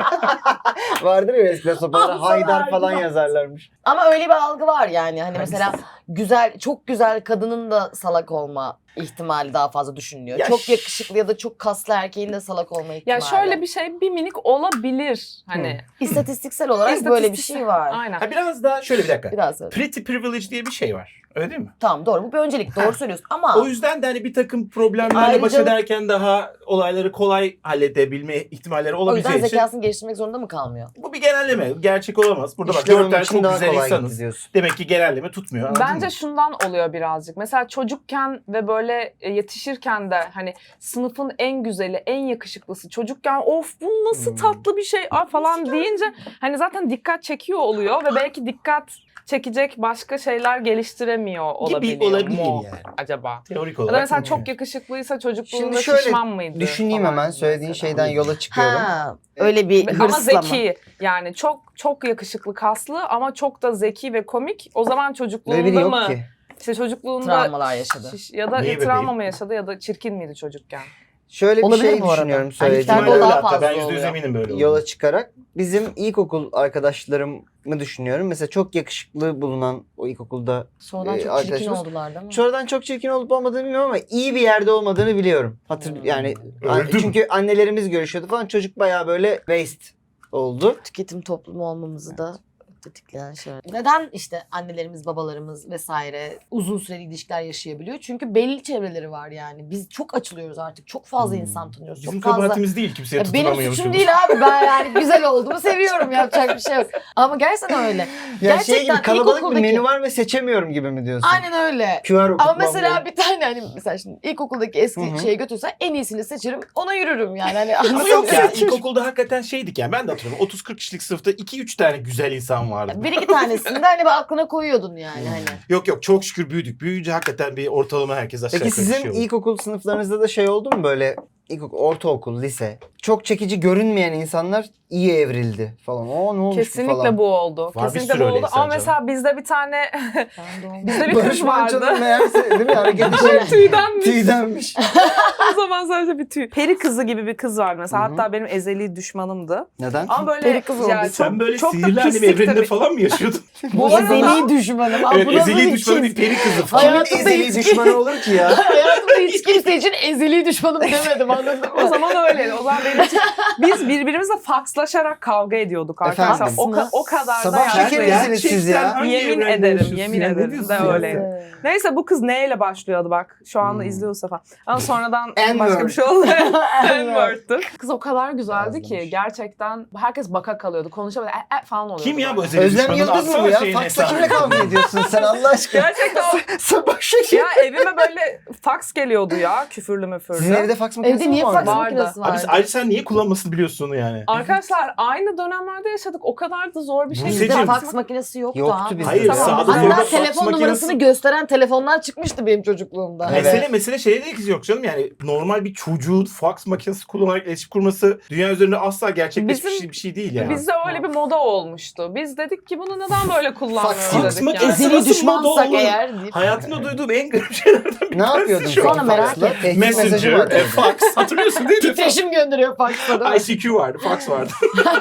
S1: Vardır ya eskiden sopalara
S4: Al sana
S1: Haydar falan
S4: argüman.
S1: yazarlarmış.
S4: Ama öyle bir algı var yani. Hani mesela güzel, çok güzel kadının da salak olma ihtimali daha fazla düşünülüyor.
S3: Ya
S4: çok
S3: ş-
S4: yakışıklı ya da çok kaslı erkeğin de salak olma ihtimali.
S2: Ya şöyle bir şey bir minik olabilir hani.
S4: İstatistiksel olarak böyle bir
S2: İstatistiksel-
S4: şey var.
S2: Aynen.
S3: Ha biraz daha şöyle bir dakika.
S4: Biraz söyle.
S3: Pretty privilege diye bir şey var. Öyle değil mi?
S4: Tamam doğru. Bu bir öncelik. Doğru söylüyorsun. Ama
S3: O yüzden de hani bir takım problemlerle baş
S4: Ayrıca-
S3: ederken daha olayları kolay halledebilme ihtimalleri
S4: o
S3: olabileceği
S4: yüzden
S3: için
S4: zekasını geliştirmek zorunda mı kalmıyor?
S3: bu bir genelleme. Gerçek olamaz. Burada bak
S1: İşte
S3: dört
S1: onun
S3: tane
S1: için
S3: çok
S1: daha
S3: güzel
S1: kolay gitti
S3: insanız.
S1: diyorsun.
S3: Demek ki genelleme tutmuyor. anladın
S2: Bence
S3: mı?
S2: şundan oluyor birazcık. Mesela çocukken ve böyle e, yetişirken de hani sınıfın en güzeli, en yakışıklısı çocukken of bu nasıl
S1: Hmm.
S2: tatlı bir şey ah, falan deyince hani zaten dikkat çekiyor oluyor ve belki dikkat çekecek başka şeyler geliştiremiyor olabiliyor
S3: Gibi olabilir
S2: mu
S3: yani.
S2: acaba?
S3: Teorik
S2: Ya
S3: olarak.
S2: da mesela
S3: mümkün.
S2: çok yakışıklıysa çocukluğunda
S1: Şimdi şöyle
S2: şişman mıydı?
S1: Düşüneyim
S2: falan
S1: hemen
S2: gibi
S1: söylediğin
S2: mesela.
S1: şeyden yola çıkıyorum.
S4: Ha, öyle bir
S2: Ve- Ama
S4: hırsla mı?
S2: zeki yani çok çok yakışıklı kaslı ama çok da zeki ve komik. O zaman
S1: Böyle biri
S2: çocukluğunda
S1: yok
S2: mı?
S1: ki.
S2: İşte çocukluğunda
S4: Travmalar yaşadı.
S2: şiş- ya da
S3: Niye
S2: ya travma
S3: bebeğim?
S2: mı yaşadı ya da çirkin miydi çocukken?
S1: Şöyle bir
S4: Olabilir
S1: şey
S4: bu arada.
S1: düşünüyorum
S4: Erkekler
S1: söylediğim
S4: de
S3: İhtimal
S4: o
S3: öyle
S4: daha
S3: hatta.
S4: fazla
S3: Ben yüzde yüz
S4: oluyor.
S3: eminim böyle
S1: yola
S3: olduğunu.
S1: çıkarak. Bizim ilkokul arkadaşlarımı düşünüyorum. Mesela çok yakışıklı bulunan o ilkokulda
S4: Sonradan
S1: Ee,
S4: çok çirkin
S1: arkadaşımız-
S4: oldular değil mi?
S1: sonradan çok çirkin olup olmadığını bilmiyorum ama iyi bir yerde olmadığını biliyorum. Hatır
S4: Hmm.
S1: yani
S3: Öldü mü?
S1: çünkü annelerimiz görüşüyordu falan çocuk bayağı böyle waste oldu.
S4: Tüketim toplumu olmamızı da tetikleyen şey. Neden işte annelerimiz, babalarımız vesaire uzun süreli ilişkiler yaşayabiliyor? Çünkü belli çevreleri var yani. Biz çok açılıyoruz artık. Çok fazla
S3: Hmm.
S4: insan tanıyoruz.
S3: Bizim
S4: çok fazla.
S3: kabahatimiz değil. Kimseye
S4: Ya benim
S3: tutunamıyormuşuz.
S4: suçum değil abi. Ben yani güzel olduğumu seviyorum. Yapacak bir şey yok. Ama gerçekten öyle.
S1: Ya şey gibi
S4: Gerçekten
S1: kalabalık bir
S4: ilkokuldaki-
S1: menü var ve seçemiyorum gibi mi diyorsun?
S4: Aynen öyle.
S1: Q R
S4: Ama
S1: okutmam
S4: mesela
S1: gerek.
S4: bir tane hani mesela şimdi ilkokuldaki eski
S1: Hı hı.
S4: şeye götürsen en iyisini seçerim. Ona yürürüm yani. Hani
S3: Ama
S4: anladın
S3: yok
S4: mı?
S3: ya ilkokulda hakikaten şeydik yani ben de hatırlıyorum otuz kırk kişilik sınıfta iki üç tane güzel insan vardı.
S4: Bir iki tanesini de hani bir aklına koyuyordun yani hani.
S3: Yok yok çok şükür büyüdük. Büyüyünce hakikaten bir ortalama herkes aşağı
S1: Peki
S3: yukarı
S1: sizin
S3: şey oldu.
S1: ilkokul sınıflarınızda da şey oldu mu böyle ilkokul, ortaokul, lise çok çekici görünmeyen insanlar iyi evrildi falan. O ne olmuş bu
S2: Kesinlikle
S1: falan.
S2: bu oldu.
S3: Var, bir
S2: Kesinlikle
S3: sürü
S2: bu
S3: öyle
S2: oldu.
S3: insan
S2: Ama
S3: canım.
S2: mesela bizde bir tane
S4: Ben de olmadım.
S2: bizde bir
S1: Barış
S2: kız vardı.
S1: Manço'nun meğerse değil mi hareketi şey
S2: Tüydenmiş.
S1: tüydenmiş.
S2: O zaman sadece bir tüy. Peri kızı gibi bir kız vardı mesela.
S1: Hı hı.
S2: Hatta benim ezeli düşmanımdı.
S1: Neden?
S2: Ama böyle
S4: Peri kızı
S2: yani
S4: oldu.
S2: çok,
S3: Sen böyle
S2: çok da
S3: sihirli annem
S2: pisliktir
S3: evreninde
S2: bir-
S3: falan mı yaşıyordun?
S4: Bu
S2: arada-
S4: ezeli düşmanım. Aa,
S3: evet
S4: bu nasıl
S3: ezeli
S4: bir
S3: düşmanı bir
S4: ikiz?
S3: peri kızı falan.
S1: Kimin
S4: Hayatımda
S1: ezeli
S4: hiç-
S1: düşmanı olur ki ya?
S4: Hayatımda hiç kimse için ezeli düşmanım demedim anladın
S2: O
S4: mı?
S2: zaman öyleydi. O zaman benim için biz birbirimizle fakslaşarak kavga ediyorduk arkadaşlar.
S1: Efendim?
S2: O, ka- o kadar da
S1: Sabah
S2: yani.
S1: şekeri misiniz siz ya?
S3: Gerçekten hangi
S2: Yemin
S3: evrende
S2: ederim,
S3: yaşıyorsun
S2: yemin
S3: ya? Ne
S2: ederim
S3: diyorsun
S2: de
S3: ya?
S2: öyleydi. Neyse bu kız neyle başlıyordu bak. Şu anda
S1: Hmm.
S2: izliyor Safa. Ama sonradan
S1: N-word.
S2: başka bir şey oldu. N-word'tu. Kız o kadar güzeldi ki
S1: Yazmış.
S2: gerçekten herkes baka kalıyordu. Konuşamadı. E, e falan oluyordu.
S3: Kim ya bu
S2: böyle.
S3: ezeli
S1: Özlem
S3: düşmanın?
S1: Yıldız mı bu
S3: Atsana
S1: ya?
S3: şeyin
S1: Faksla
S3: hesabını.
S1: kimle kavga ediyorsun sen Allah aşkına?
S2: Gerçekten o-
S1: Sabah şekeri.
S2: ya evime böyle faks geliyordu ya küfürlü müfürlü.
S1: Sizin evde faks makinesi
S4: Evde
S1: mi
S4: niye
S1: vardı?
S4: faks
S2: Vardı.
S4: makinesi
S3: Abi
S4: var?
S3: ayrıca sen niye kullanmasını biliyorsun onu yani?
S2: Arkadaşlar aynı dönemlerde yaşadık. O kadar da zor bir şey.
S3: Buse'cim.
S4: Bizde
S2: değil.
S4: faks makinesi yoktu,
S1: Yoktu
S4: abi.
S1: bizde.
S3: Hayır,
S2: Tamam.
S3: sağda
S2: Hatta
S3: solda
S4: Hatta
S3: faks
S4: telefon
S3: makinesi-
S4: numarasını gösteren telefonlar çıkmıştı benim çocukluğumda.
S1: Evet.
S3: Mesele mesele şeyde de yok canım yani normal bir çocuğun fax makinesi kullanarak iletişim kurması dünya üzerinde asla gerçekleşmiş
S2: Bizim-
S3: bir şey değil yani.
S2: Bizde öyle bir moda olmuştu. Biz dedik ki bunu neden böyle kullanmıyoruz
S1: Fax
S2: dedik
S3: makinesi-
S2: yani.
S3: Ezeli
S4: Ezeli düşmansak
S3: olur?
S4: eğer deyip.
S3: Hayatımda duyduğum en garip şeylerden bir
S1: Ne yapıyordun
S3: şu
S1: peki
S4: an merak
S1: faksla?
S4: ettim.
S1: Tehdit mesajı
S3: Messenger,
S1: vardı.
S3: e, fax hatırlıyorsun değil mi?
S4: Titreşim gönderiyor faksla.
S3: I C Q vardı, fax vardı.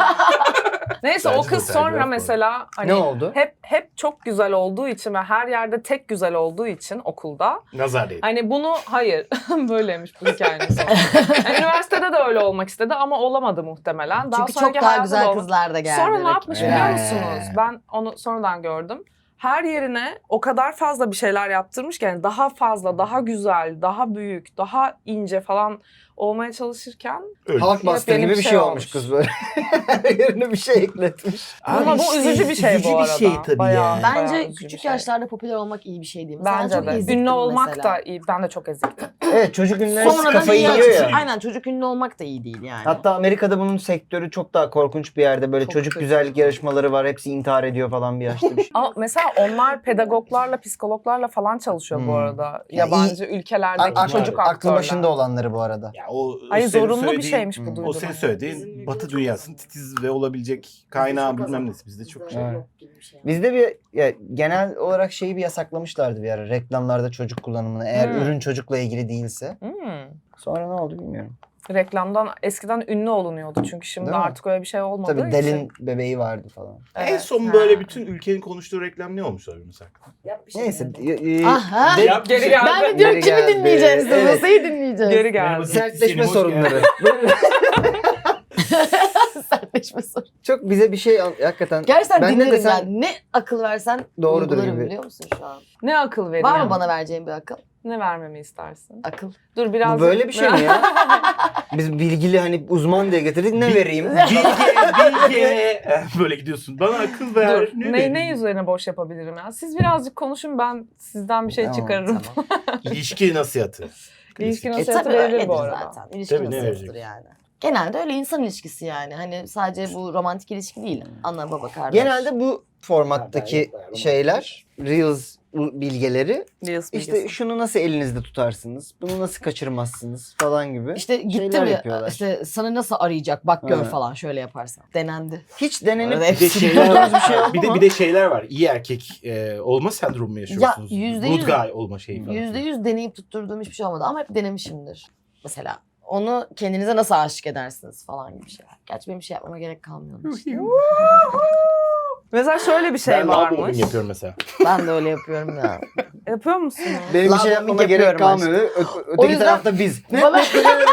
S2: Neyse o
S3: Bence de
S2: kız
S3: o tercih
S2: sonra
S3: var.
S2: mesela hani
S1: Ne oldu?
S2: hep hep çok güzel olduğu için ve her yerde tek güzel olduğu için okulda
S3: Nazar değil.
S2: hani bunu hayır böyleymiş bu hikayenin sonu. Yani üniversitede de öyle olmak istedi ama olamadı muhtemelen. Daha
S4: Çünkü çok
S2: sonraki
S4: daha
S2: hayatı da
S4: güzel
S2: olmadı.
S4: kızlar da geldi.
S2: Sonra ne yapmış
S4: rakibine.
S2: biliyor
S1: Ee.
S2: musunuz? Ben onu sonradan gördüm. Her yerine o kadar fazla bir şeyler yaptırmış ki yani daha fazla, daha güzel, daha büyük, daha ince falan olmaya çalışırken
S3: Öyle.
S1: Halk bastı
S2: Yepyeni
S1: gibi
S2: bir
S1: bir
S2: şey
S1: şey olmuş
S2: olmuş.
S1: kız böyle. Her yerine bir şey ekletmiş.
S2: Ama bu üzücü bir şey bu
S3: üzücü
S2: arada.
S3: bir şey tabii
S2: Bayağı.
S3: yani.
S2: Bayağı
S4: Bence
S2: üzücü bir
S4: küçük
S2: şey.
S4: yaşlarda popüler olmak iyi bir şey değil. Mesela
S2: Bence
S4: çok
S2: de.
S4: eziktim
S2: Ünlü olmak
S4: mesela.
S2: da iyi. Ben de çok eziktim.
S1: Evet çocuk ünlüleri
S4: Sonradan
S1: kafayı
S4: iyi
S1: yiyor
S4: açık-
S1: ya.
S4: Aynen çocuk ünlü olmak da iyi değil yani.
S1: Hatta Amerika'da bunun sektörü çok daha korkunç bir yerde. Böyle
S2: Çok
S1: çocuk
S2: kötü.
S1: güzellik yarışmaları var. Hepsi intihar ediyor falan bir yaşta bir şey.
S2: Ama mesela onlar pedagoglarla, psikologlarla falan çalışıyor bu
S1: Hmm.
S2: arada.
S1: Ya
S2: Yabancı ülkelerdeki
S1: Ak-
S2: çocuk
S1: aklı
S2: aktörler.
S1: başında olanları bu arada.
S3: Ya o, o
S2: Hayır
S3: senin
S2: zorunlu bir
S3: söylediğin-
S2: şeymiş bu
S1: Hmm.
S2: duydum.
S3: O senin
S2: hani.
S3: söylediğin
S4: Bizim
S3: Batı
S4: ülkede
S3: dünyasının
S4: çok az.
S3: titiz ve olabilecek kaynağı bilmem nesi. Bizde çok şey.
S1: Evet.
S4: yok gibi bir şey.
S1: Bizde bir ya, genel olarak şeyi bir yasaklamışlardı bir ara. Reklamlarda çocuk kullanımını. Eğer
S2: Hmm.
S1: ürün çocukla ilgili değilse.
S2: Hmm.
S1: Sonra ne oldu bilmiyorum.
S2: Reklamdan eskiden ünlü olunuyordu çünkü şimdi
S1: Değil mi?
S2: artık öyle bir şey olmadığı
S1: Tabii
S2: için.
S1: Del'in bebeği vardı falan.
S3: En
S2: Evet.
S3: son
S4: Ha.
S3: böyle bütün ülkenin konuştuğu reklam ne olmuş olabilir mesela?
S4: Yap bir şey.
S1: Neyse.
S4: yani.
S1: y- y-
S4: Aha.
S1: de-
S3: Yap bir
S2: Geri
S3: şey.
S2: geldi.
S4: Ben de diyorum
S1: Geri
S4: kimi
S1: geldi.
S4: dinleyeceğiz?
S1: Evet.
S4: Nasıl dinleyeceğiz?
S2: Geri geldi.
S3: Merhaba.
S1: sertleşme
S3: Senin hoş
S1: sorunları.
S4: Sertleşme soru.
S1: Çok bize bir şey an- hakikaten
S4: Gerçekten
S1: Ben ne
S4: dinlerim
S1: desem-
S4: yani. Ne akıl versen
S1: Doğrudur
S4: uygularım
S1: gibi.
S4: biliyor musun şu an?
S2: Ne akıl veriyor?
S4: Var mı bana vereceğin bir akıl?
S2: Ne vermemi istersin?
S4: Akıl.
S2: Dur biraz.
S1: bu böyle bir şey mi ya? Biz bilgili hani uzman diye getirdik ne vereyim?
S3: Bilge, bilge. Böyle gidiyorsun. Bana akıl ver.
S2: Dur.
S3: Ne,
S2: Ne,
S3: vereyim?
S2: ne üzerine boş yapabilirim ya? Siz birazcık konuşun ben sizden bir şey
S1: Tamam,
S2: çıkarırım.
S4: Tamam.
S3: İlişki nasihatı.
S2: İlişki
S4: E
S2: nasihatı
S4: tabii
S2: verilir
S4: öyledir
S2: bu arada.
S4: zaten. İlişki
S3: Tabii, ne
S4: nasihatıdır
S3: verecek?
S4: yani. Genelde öyle insan ilişkisi yani. Hani sadece bu romantik ilişki değil. Ana baba kardeş.
S1: Genelde bu formattaki şeyler, Reels bilgeleri
S2: Reels
S1: işte
S2: bilgisi.
S1: şunu nasıl elinizde tutarsınız, bunu nasıl kaçırmazsınız falan gibi.
S4: İşte gitti
S1: şeyler
S4: mi
S1: yapıyorlar.
S4: işte sana nasıl arayacak bak gör
S1: Ha.
S4: falan şöyle yaparsan. Denendi.
S1: Hiç denenip
S4: Arada
S3: Bir de
S4: hepsi
S3: şeyler
S1: tuttuğunuz bir
S3: var.
S1: şey oldu
S3: bir de
S1: mu?
S3: bir de şeyler var. İyi erkek e, olma sendromu mu yaşıyorsunuz?
S4: yüzde
S3: Good
S4: yüz-
S3: guy olma şeyi falan.
S4: Yüzde yüz deneyip tutturduğum hiçbir şey olmadı ama hep denemişimdir. Mesela onu kendinize nasıl aşık edersiniz falan gibi şeyler. Gerçi benim bir şey yapmama gerek kalmıyor. onun için.
S2: Mesela şöyle bir şey
S3: ben love bombing
S2: varmış.
S3: yapıyorum mesela.
S4: Ben de öyle yapıyorum ya.
S2: Yapıyor musun?
S1: Benim bir
S4: Love
S1: şey
S4: bombing
S1: yapmama gerek
S4: yapıyorum
S1: kalmıyor. Ö- ö-
S4: O
S1: öteki
S4: yüzden-
S1: tarafta biz.
S4: Bana-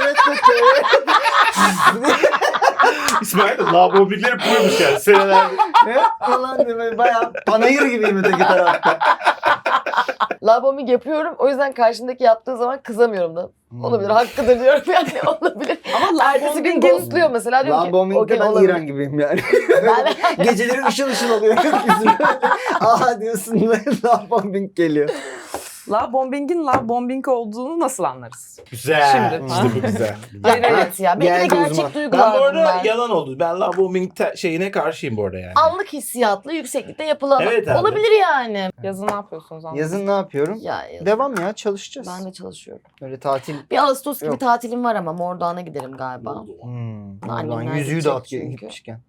S3: İsmail de love bombingleri yapıyormuş yani senelerdir.
S1: Ne? Falan diye böyle bayağı panayır gibiyim öteki tarafta.
S4: Love bombing yapıyorum. O yüzden karşımdaki yaptığı zaman kızamıyorum da.
S1: Hmm.
S4: Olabilir, hakkıdır diyorum yani olabilir.
S2: Ama
S4: Ertesi gün
S2: bombing'in-
S4: ghostluyor mesela diyorum
S1: Love
S4: ki
S1: bombing'de
S4: okey
S1: ben
S4: olabilir.
S1: İran gibiyim yani.
S4: Ben-
S1: Geceleri ışıl ışıl oluyor gökyüzü. Aha diyorsun love bombing geliyor.
S2: Love bombing'in love bombing olduğunu nasıl anlarız?
S3: Güzel.
S2: Şimdi.
S3: İşte bu güzel.
S2: Hayır,
S4: Ya
S2: evet.
S4: evet ya. Belki de
S1: Geldi
S4: gerçek
S1: uzman.
S4: duygular
S3: Ben bu arada
S4: bunlar.
S3: yalan oldu. Ben love bombing te- şeyine karşıyım bu arada yani.
S4: Anlık hissiyatlı yükseklikte yapılan
S3: Evet abi.
S4: olabilir yani.
S2: Yazın ne yapıyorsunuz anladın?
S1: Yazın ne yapıyorum?
S4: Ya, ya.
S1: Devam ya çalışacağız.
S4: Ben de çalışıyorum.
S1: Böyle tatil.
S4: Bir Ağustos gibi
S1: Yok.
S4: tatilim var ama Mordoğan'a giderim galiba.
S1: Hmm.
S4: Annemler
S1: Oradan yüzüğü
S4: gidecek
S1: dağıt
S4: çünkü.
S1: gitmişken.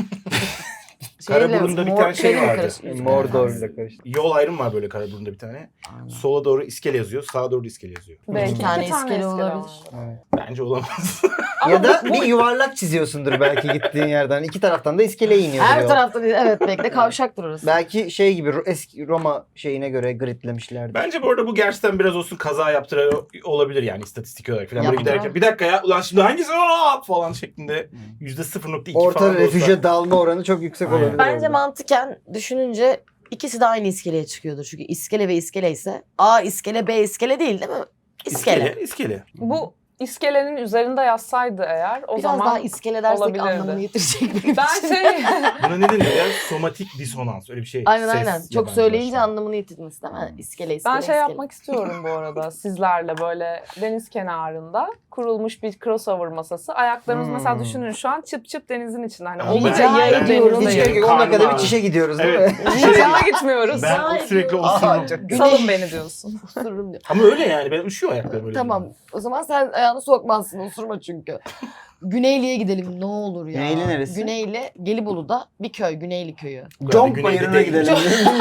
S3: Karaburun'da bir tane şey
S4: şeyle mi
S3: vardı.
S4: karıştırıyorsun?
S1: Mordor'la karıştı.
S3: Yol ayrım var böyle Karaburun'da bir tane.
S4: Aynen.
S3: Sola doğru iskele yazıyor, sağa doğru iskele yazıyor.
S2: Belki
S4: İki tane
S2: iki
S4: iskele olabilir.
S2: var.
S1: Evet.
S3: Bence olamaz.
S1: Ya da bir yuvarlak çiziyorsundur belki gittiğin yerden. İki taraftan da iskeleye iniyor.
S4: Her tarafta değil. Evet belki de kavşaktır orası.
S1: Belki şey gibi Ro- eski Roma şeyine göre gridlemişlerdi.
S3: Bence bu arada bu gerçekten biraz olsun kaza yaptıran olabilir yani istatistik olarak falan. Böyle
S4: Yaptıran.
S3: giderken bir dakika ya ulan şimdi hangisi Aa! falan şeklinde yüzde sıfır nokta iki
S1: Orta
S3: falan
S1: refüje
S3: olsa.
S1: dalma oranı çok yüksek
S3: Aynen.
S1: olabilir.
S4: Bence
S1: orada.
S4: mantıken düşününce ikisi de aynı iskeleye çıkıyordur. Çünkü iskele ve iskele ise A iskele B iskele değil değil mi? İskele.
S3: İskele. İskele.
S2: Bu iskelenin üzerinde yazsaydı eğer o
S4: Biraz
S2: zaman
S4: daha iskele dersek
S2: olabilirdi.
S4: anlamını yitirecek benim
S2: ben
S4: için.
S2: şey
S3: Buna ne deniyor ya? Somatik disonans. Öyle bir şey.
S4: Aynen
S3: Ses
S4: aynen. Çok
S3: yabancılaşma.
S4: söyleyince anlamını yitirmesi değil mi? İskele iskele
S2: ben şey
S4: iskele.
S2: yapmak istiyorum bu arada sizlerle böyle deniz kenarında kurulmuş bir crossover masası. Ayaklarımız
S1: Hmm.
S2: mesela düşünün şu an çıp çıp denizin içinde. Hani
S3: Ama
S2: olunca
S4: ben-
S2: yarı
S4: ediyorum.
S1: Hiç
S2: denizdeyim.
S1: gerek yok. on dakikada bir
S3: Karnım
S1: çişe gidiyoruz değil
S3: Evet.
S1: mi?
S2: Hiçbir gitmiyoruz.
S3: Ben o sürekli
S1: Aa,
S3: osururum.
S1: çok
S4: Güneş-
S2: Salın beni diyorsun.
S4: Osururum diyor.
S3: Ama öyle yani. Ben üşüyor ayaklarım öyle.
S4: Tamam. O zaman sen ayağını sokmazsın. Osurma çünkü. Güneyli'ye gidelim ne olur ya.
S1: Güneyli neresi?
S4: Güneyli Gelibolu'da bir köy. Güneyli köyü.
S1: Conk
S3: Güneyde
S1: bayırına
S3: değil.
S1: gidelim.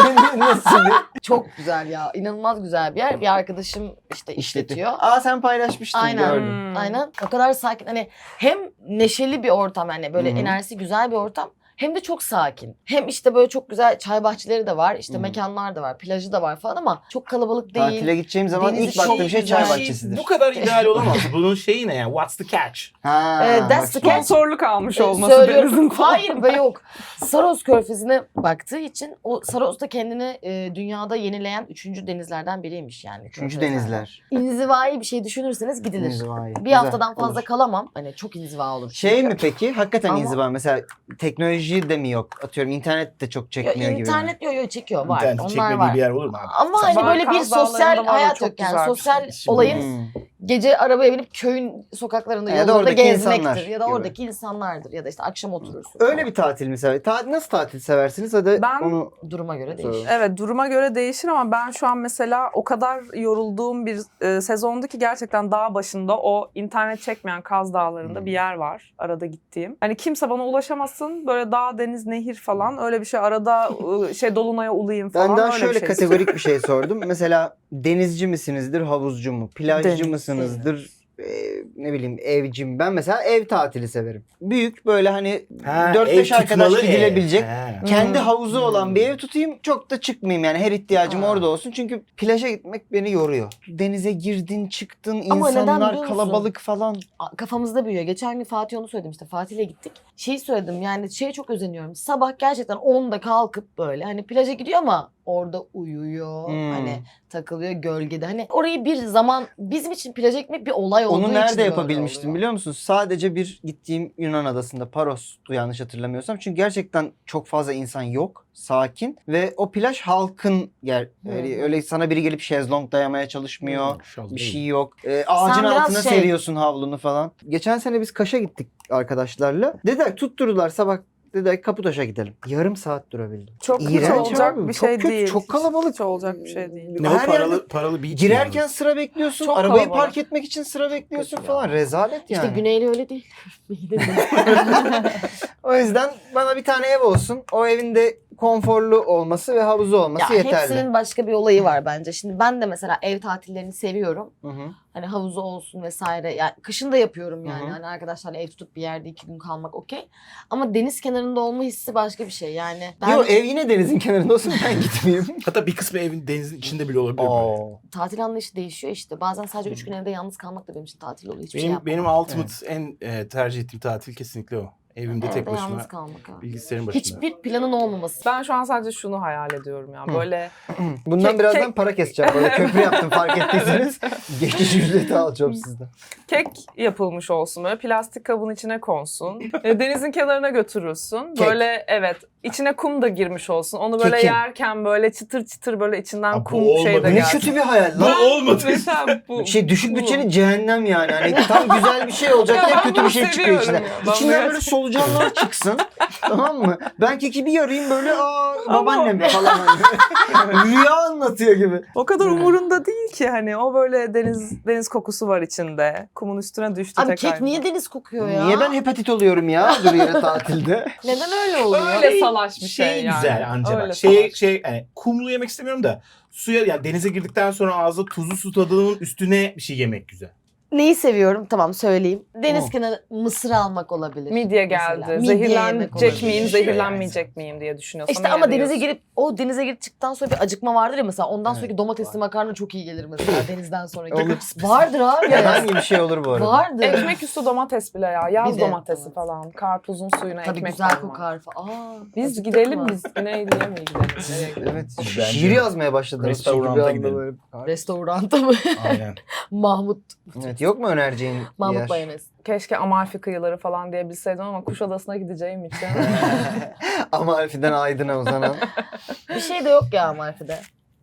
S1: Nasıl bir
S4: Çok güzel ya. İnanılmaz güzel bir yer. Bir arkadaşım işte işletiyor.
S1: Aa sen paylaşmıştın
S4: Aynen.
S1: gördüm.
S2: Hmm.
S4: Aynen. O kadar sakin. Hani hem neşeli bir ortam yani böyle
S1: Hı hı.
S4: enerjisi güzel bir ortam. Hem de çok sakin. Hem işte böyle çok güzel çay bahçeleri de var. işte
S1: Hı.
S4: mekanlar da var. Plajı da var falan ama çok kalabalık değil.
S1: Tatile gideceğim zaman
S4: Denizi
S1: ilk baktığım
S4: çok
S1: şey çay
S4: güzel.
S1: bahçesidir.
S3: Bu kadar ideal olamaz. Bunun şeyi ne ya? What's the catch?
S1: Ha,
S4: Ee, that's
S1: bak
S4: the catch.
S2: Sponsorluk almış
S4: Ee,
S2: olması
S4: söylüyorum.
S2: denizin falan.
S4: Hayır be yok. Saros Körfezi'ne baktığı için o Saros da kendini e, dünyada yenileyen üçüncü denizlerden biriymiş yani.
S1: Üçüncü
S4: Körfezlerden.
S1: denizler.
S4: İnzivai bir şey düşünürseniz gidilir.
S1: İnzivai.
S4: Bir
S1: Güzel,
S4: haftadan fazla
S1: olur.
S4: kalamam. Hani çok inziva olur.
S1: Şey
S4: çünkü.
S1: mi peki? Hakikaten
S4: Ama-
S1: inziva. Mesela teknoloji de mi yok? Atıyorum internet de çok
S4: Yo,
S1: çekmiyor gibi. mi?
S4: internet yo yo çekiyor var.
S3: İnternet
S4: Onlar
S3: çekmediği
S4: var.
S3: bir yer olur mu abi?
S4: Ama
S3: Sen-
S4: hani böyle bir
S2: Kaz Dağları'nda
S4: sosyal
S2: var o
S4: hayat
S2: çok
S4: yok yani.
S2: güzel bir
S4: Sosyal
S2: şey.
S3: Şimdi-
S4: olayın
S1: Hmm.
S4: gece arabaya binip köyün sokaklarında
S1: Ya da
S4: yollarda
S1: oradaki
S4: gezmektir.
S1: insanlar
S4: Ya da
S1: gibi.
S4: oradaki insanlardır. Ya da işte akşam oturursun.
S1: Öyle
S4: falan.
S1: bir tatil mi sever? Ta- nasıl tatil seversiniz? Hadi
S2: Ben-
S1: onu
S4: Duruma göre
S1: Sorun.
S4: değişir.
S2: Evet, duruma göre değişir ama ben şu an mesela o kadar yorulduğum bir e, sezondu ki gerçekten dağ başında o internet çekmeyen Kaz Dağları'nda
S1: Hmm.
S2: bir yer var arada gittiğim. Hani kimse bana ulaşamasın, böyle dağ, deniz, nehir falan öyle bir şey, arada e, şey Dolunay'a ulayım falan,
S1: ben daha
S2: öyle
S1: şöyle
S2: bir şey
S1: kategorik bir şey sordum. Mesela denizci misinizdir, havuzcu mu? Plajcı
S2: Denizci.
S1: mısınızdır? Ee, ne bileyim evci mi? Ben mesela ev tatili severim. Büyük böyle hani
S3: Ha,
S1: dört
S3: ev
S1: beş arkadaş
S3: tutmalı ev.
S1: gidilebilecek.
S3: Ha.
S1: Kendi
S2: Hmm.
S1: havuzu olan
S3: Hmm.
S1: bir ev tutayım, çok da çıkmayayım yani, her ihtiyacım
S3: Ha.
S1: orada olsun. Çünkü plaja gitmek beni yoruyor. Denize girdin çıktın,
S4: Ama neden
S1: insanlar
S4: biliyor musun?
S1: kalabalık falan.
S4: A- Kafamızda büyüyor. Geçen gün Fatih onu söyledim işte. Fatih'le gittik. Şeyi söyledim yani şeye çok özeniyorum. Sabah gerçekten onda kalkıp böyle hani plaja gidiyor ama orada uyuyor.
S1: Hmm.
S4: Hani takılıyor gölgede. Hani orayı bir zaman bizim için plaja gitmek bir olay olduğu
S1: Onu
S4: için
S1: nerede
S4: böyle
S1: yapabilmiştim
S4: oluyor.
S1: biliyor musun? Sadece bir gittiğim Yunan adasında, Paros'tu yanlış hatırlamıyorsam. Çünkü gerçekten çok fazla insan yok, sakin ve o plaj halkın yer. Öyle,
S4: Hı.
S1: öyle sana biri gelip şezlong dayamaya çalışmıyor.
S3: Şaz
S1: Bir
S3: değil.
S1: şey yok. Ee, ağacın
S4: biraz
S1: altına
S4: şey-
S1: seriyorsun havlunu falan. Geçen sene biz Kaş'a gittik arkadaşlarla. Dediler tutturdular sabah. Dediler Kaputaş'a gidelim. Yarım saat durabildim.
S2: Çok hiç
S1: İğrenç
S2: olacak
S1: abi.
S2: bir
S1: çok
S2: şey
S1: kötü,
S2: değil.
S1: Çok
S2: Hiç-
S1: kalabalık.
S2: hiç olacak bir şey değil.
S3: Ne
S1: Her
S3: o
S1: yerde-
S3: paralı paralı beach mi
S1: Girerken
S3: yalnız?
S1: sıra bekliyorsun.
S2: Çok
S1: arabayı
S2: kalabalık.
S1: park etmek için sıra bekliyorsun
S3: Kötü
S1: falan.
S3: ya.
S1: Rezalet yani.
S4: İşte Güneyli öyle değil.
S1: O yüzden bana bir tane ev olsun. O evin de konforlu olması ve havuzu olması
S4: Ya
S1: yeterli.
S4: hepsinin başka bir olayı var bence. Şimdi ben de mesela ev tatillerini seviyorum.
S1: Hı hı.
S4: Hani havuzu olsun vesaire. Yani kışın da yapıyorum yani.
S1: Hı hı.
S4: Hani arkadaşlarla ev tutup bir yerde iki gün kalmak okey. Ama deniz kenarında olma hissi başka bir şey. Yani ben
S1: Yo ev yine denizin kenarında olsun, ben gitmeyeyim.
S3: Hatta bir kısmı evin denizin içinde bile olabilir. böyle.
S1: Oo.
S4: tatil anlayışı değişiyor işte. Bazen sadece üç gün evde yalnız kalmak da benim için tatil oluyor. Hiçbir şey
S3: Benim
S4: yapmam.
S3: benim ultimate en e, tercih ettiğim tatil kesinlikle o. Evimde tek
S4: Evde
S3: başıma
S4: yalnız kalmak abi.
S3: bilgisayarın başında.
S4: Hiçbir planın olmaması.
S2: Ben şu an sadece şunu hayal ediyorum ya,
S1: Hı.
S2: böyle
S1: Bundan
S2: Kek-
S1: birazdan
S2: kek-
S1: para keseceğim. Böyle köprü yaptım fark ettiyseniz. Geçiş ücreti alacağım sizden.
S2: kek yapılmış olsun, böyle plastik kabın içine konsun. E, denizin kenarına götürürsün.
S1: Kek.
S2: Böyle evet, içine kum da girmiş olsun. Onu böyle
S1: Kekin.
S2: yerken böyle çıtır çıtır böyle içinden
S3: Aa, bu
S2: kum şey
S3: olmadı.
S2: de
S1: Ne
S2: gelsin.
S1: kötü bir hayal
S3: Bu
S1: lan.
S3: olmadı.
S2: Mesela bu,
S1: Şey düşük
S2: bu.
S1: bütçeli cehennem yani. Hani tam güzel bir şey olacak
S2: Ya
S1: diye
S2: ben
S1: kötü
S2: bunu
S1: bir şey çıkıyor
S2: seviyorum
S1: içinden.
S2: ya. Ben
S1: İçinden
S2: bunu-
S1: böyle solucanlar çıksın. Tamam mı? Ben keki bir yarayım böyle aa babaannem falan hani. Rüya anlatıyor gibi.
S2: O kadar
S1: Evet.
S2: umurunda değil ki, hani o böyle deniz deniz kokusu var içinde. Kumun üstüne düştü
S4: Abi
S2: tekrar.
S4: kek niye deniz kokuyor ya?
S1: Niye ben hepatit oluyorum ya dur yere tatilde?
S4: Neden öyle oluyor?
S2: Öyle salaş bir şey,
S3: şey
S2: yani.
S3: güzel anca
S2: Öyle
S3: bak. Şey
S2: salaş.
S3: şey yani kumlu yemek istemiyorum da suya yani denize girdikten sonra ağzı tuzlu su tadının üstüne bir şey yemek güzel.
S4: Neyi seviyorum? Tamam söyleyeyim. Deniz
S1: Hı.
S4: kenarı mısır almak olabilir.
S2: Midye
S4: mesela.
S2: geldi.
S4: Midye yemek
S2: Zehirlenecek
S4: olabilir.
S2: miyim,
S3: Yani.
S2: zehirlenmeyecek miyim diye düşünüyorsam.
S4: İşte
S2: eğer
S4: ama denize
S2: yiyorsun.
S4: girip o denize girdikten sonra bir acıkma vardır ya mesela. Ondan
S1: Evet,
S4: sonraki domatesli makarna çok iyi gelir mesela denizden sonraki.
S1: Olur.
S4: Vardır abi.
S1: Herhangi bir şey olur bu arada.
S4: Vardır.
S2: Ekmek üstü domates bile ya. Yaz
S4: Bir de-
S2: domatesi
S4: evet.
S2: falan. Karpuzun suyuna
S4: Tabii
S2: ekmek
S4: güzel
S2: koyma.
S4: kokar falan. Aa,
S2: Biz
S4: acıktık
S2: gidelim
S4: mı?
S2: biz. Güneyli'ye mi gidelim? Nereye gidelim?
S1: Evet.
S3: Bence-
S1: Şiir yazmaya başladınız. çünkü bir
S3: Restoranta
S1: anda
S3: gidelim.
S1: böyle.
S4: Restoranta mı?
S3: Aynen.
S4: Mahmut.
S1: Evet, yok mu önereceğin bir
S4: Mahmut
S1: yer?
S4: mayonez.
S2: Keşke Amalfi kıyıları falan diyebilseydim ama Kuşadası'na gideceğim için.
S1: Amalfi'den Aydın'a uzanan.
S4: Bir şey de yok ya Amalfi'de.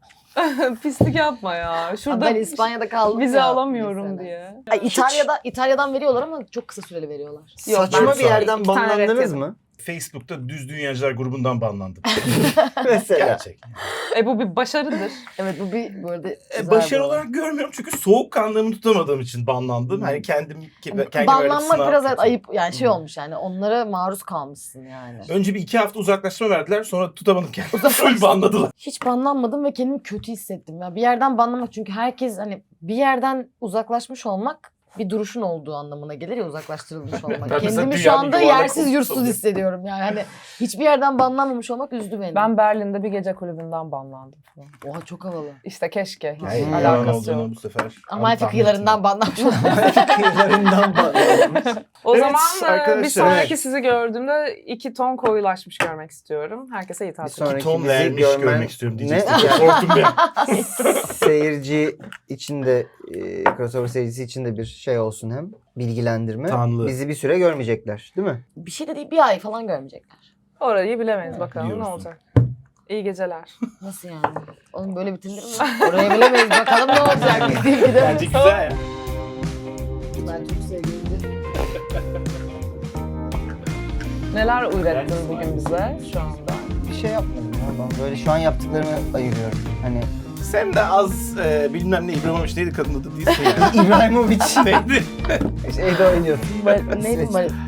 S2: Pislik yapma ya. Şurada
S4: ben İspanya'da kaldım
S2: vize
S4: ya
S2: alamıyorum
S4: mesela.
S2: diye.
S4: Ay, İtalya'da İtalya'dan veriyorlar ama çok kısa süreli veriyorlar.
S2: Yok,
S1: Saçma
S3: ben
S1: bir yerden
S2: iki tane ret
S1: banlandınız
S2: yedim.
S1: mı?
S3: Facebook'ta düz dünyacılar grubundan banlandım.
S1: Mesela.
S3: Gerçek.
S2: E bu bir başarıdır.
S4: Evet bu bir böyle
S3: E,
S4: güzel
S3: başarı
S4: bir olay.
S3: olarak görmüyorum çünkü soğukkanlılığımı tutamadığım için banlandım. Hani kendim kendime verdiğim
S4: Banlanmak
S3: sınav
S4: biraz evet
S3: kötü.
S4: ayıp yani şey
S1: Hmm.
S4: olmuş yani onlara maruz kalmışsın yani.
S3: Önce bir iki hafta uzaklaşma verdiler sonra tutamadım kendimi. Full banladılar.
S4: Hiç banlanmadım ve kendimi kötü hissettim ya. Bir yerden banlamak çünkü herkes hani bir yerden uzaklaşmış olmak bir duruşun olduğu anlamına gelir ya uzaklaştırılmış olmak.
S3: Ben mesela
S4: Kendimi şu
S3: dünyanın
S4: anda
S3: yuvarlak
S4: yersiz
S3: olduğunu
S4: yursuz
S3: sanıyorum.
S4: hissediyorum yani. Hani hiçbir yerden banlanmamış olmak üzdü beni.
S2: Ben Berlin'de bir gece kulübünden banlandım falan.
S4: Oha çok havalı.
S2: İşte keşke. Hiç
S1: Hayır,
S3: Hmm,
S2: alakası
S3: olduğunu
S2: yok.
S3: bu sefer.
S4: Amalfi
S3: tahmin
S4: kıyılarından banlanmış olmak.
S1: Kıyılarından banlandınız.
S2: O
S3: Evet,
S2: zaman e,
S3: arkadaşlar,
S2: bir sonraki
S1: evet.
S2: sizi gördüğümde iki ton koyulaşmış görmek istiyorum. Herkese iyi
S1: Bir
S2: tatil.
S1: sonraki
S3: ettim. Ton
S1: bizi
S3: vermiş
S1: görmen-
S3: görmek istiyorum
S1: Ne?
S3: diyeceksin. Korktum ben.
S1: Seyirci için de e, crossover seyircisi için de bir şey olsun hem bilgilendirme.
S3: Tanrı.
S1: Bizi bir süre görmeyecekler değil mi?
S4: Bir şey de değil bir ay falan görmeyecekler.
S2: Orayı bilemeyiz, bakalım ne
S3: biliyorsun.
S2: olacak. İyi geceler.
S4: Nasıl yani? Oğlum böyle bitirilir mi? Oraya bilemeyiz bakalım ne olacak. Biz deyip gidelim.
S3: Bence güzel ya.
S2: Neler ürettin bugün bize şu anda?
S1: Bir şey yapmadım ya ben. Böyle şu an yaptıklarımı ayırıyorum. Hani
S3: Sen de az e, bilmem ne İbrahimovic neydi kadın adı değilse yani.
S1: İbrahimovic
S3: Neydi?
S1: şeyde oynuyor.
S4: Neydi?